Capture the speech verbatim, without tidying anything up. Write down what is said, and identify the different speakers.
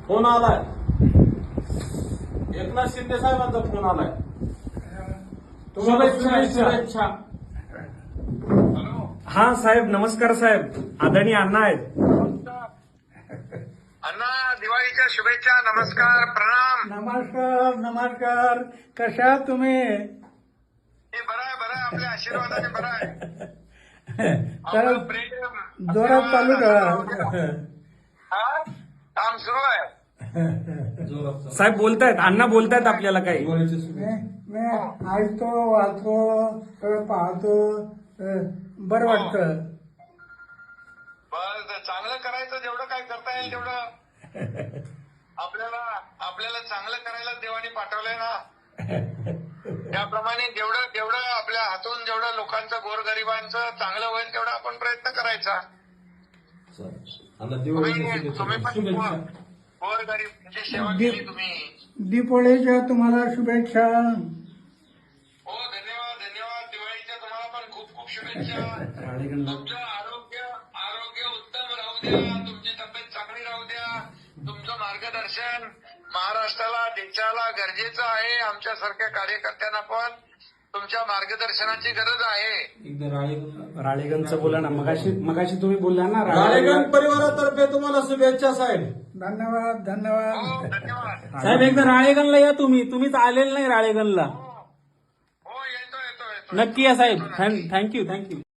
Speaker 1: Phone आलाय. एकनाथ शिंदे साहेबांचा phone आलाय. तुम्हाला शुभेच्छा.
Speaker 2: शुभेच्छा.
Speaker 3: हॅलो.
Speaker 2: हा साहेब, नमस्कार साहेब. आदरणीय अण्णा आहेत.
Speaker 3: अण्णा, दिवाळीच्या शुभेच्छा. नमस्कार, प्रणाम.
Speaker 4: नमस्कार नमस्कार. कशा तुम्ही?
Speaker 3: हे बरं आहे, बरं आहे. आपल्या आशीर्वादाने बरं आहे.
Speaker 4: तर
Speaker 3: आपलं प्रेम
Speaker 4: जोरात चालू
Speaker 3: आशीर्वाद,
Speaker 4: ठेवा.
Speaker 3: हा? काम सुरू आहे.
Speaker 2: साहेब बोलतायत, अण्णा बोलतायत आपल्याला काही.
Speaker 4: मी मी ऐकतो, वाचतो, सगळं पाहतो, अं, बरं वाटतं.
Speaker 3: बरं, चांगलं करायचं. जेवढं काय करता येईल तेवढं आपल्याला आपल्याला चांगलं करायला देवाने पाठवलंय ना. त्याप्रमाणे जेवढं जेवढं आपल्या हातून जेवढं लोकांचं, गोरगरिबांचं चांगलं होईल तेवढा आपण प्रयत्न करायचा. तुम्ही तुम्ही पण गोरगरिबांची सेवा केली तुम्ही.
Speaker 4: दीपोळीच्या तुम्हाला शुभेच्छा.
Speaker 3: हो, धन्यवाद धन्यवाद. दिवाळीच्या तुम्हाला पण खूप खूप शुभेच्छा. तुमचं आरोग्य आरोग्य उत्तम राहू द्या. तुमची तब्येत चांगली राहू द्या. तुमचं मार्गदर्शन महाराष्ट्राला, देशाला गरजेचं आहे. आमच्यासारख्या कार्यकर्त्यांना पण तुमच्या मार्गदर्शनाची गरज आहे.
Speaker 2: राळेगणचं बोला ना. मगाशी मगाशी तुम्ही बोलला ना.
Speaker 1: राळेगण परिवारातर्फे तुम्हाला शुभेच्छा साहेब.
Speaker 4: धन्यवाद
Speaker 3: हो,
Speaker 4: धन्यवाद.
Speaker 3: धन्यवाद.
Speaker 2: साहेब एकदा राळेगणला या तुम्ही. तुम्हीच आलेलं नाही राळेगणला.
Speaker 3: हो, येतो येतो येतो.
Speaker 2: नक्की या साहेब. Thank you thank you.